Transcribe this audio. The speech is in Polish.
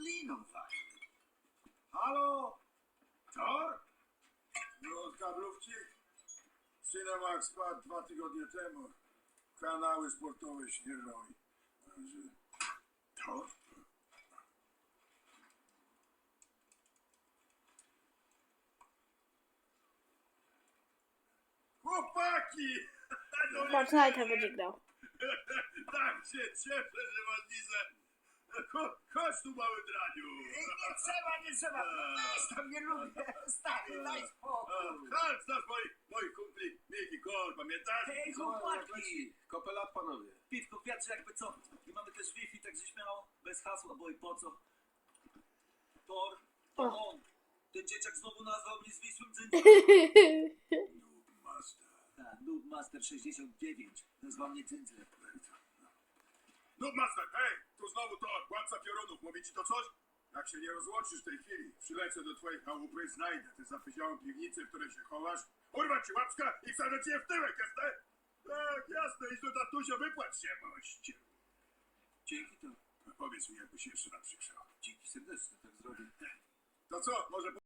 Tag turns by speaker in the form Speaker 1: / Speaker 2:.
Speaker 1: liną fajnie.
Speaker 2: Halo? Tor? No, od kablówki? Cinemax spadł 2 tygodnie temu. Kanały sportowe śnieżą i... Tor? Chłopaki!
Speaker 3: Fortnite'a będzie grał.
Speaker 2: Tak się cieszę, że was widzę. Chodź tu, mały draniu.
Speaker 1: Nie trzeba. Weź tam, nie lubię. Stary, daj spokój.
Speaker 2: Chodź, znasz moich kumpli Miki Kol, pamiętasz?
Speaker 1: Hej, chłopaki.
Speaker 4: Kopelat, panowie.
Speaker 1: Piwko w wiatrze jakby co. I mamy też Wi-Fi, także śmiało. Bez hasła, bo i po co. Tor, to
Speaker 3: O.
Speaker 1: on. Ten dzieciak znowu nazwał mnie zwisłym dzynkiem.
Speaker 2: Noob Master.
Speaker 1: Tak, Noob Master 69. Nazwał mnie dzyndzlem.
Speaker 2: Noob Master, hej! Tu znowu to władca piorunów. Mówi ci to coś? Jak się nie rozłączysz w tej chwili, przylecę do twojej chałupy, znajdę tę zapyziałą piwnicę, w której się chowasz, urwać ci łapska i wsadzę cię w tyłek, jasne? Tak, jasne, idź do tatusia, wypłać się, moście.
Speaker 1: Dzięki to.
Speaker 2: Powiedz mi, jakby się jeszcze raz przykrzał.
Speaker 1: Dzięki serdecznie, tak zrobię.
Speaker 2: To co, może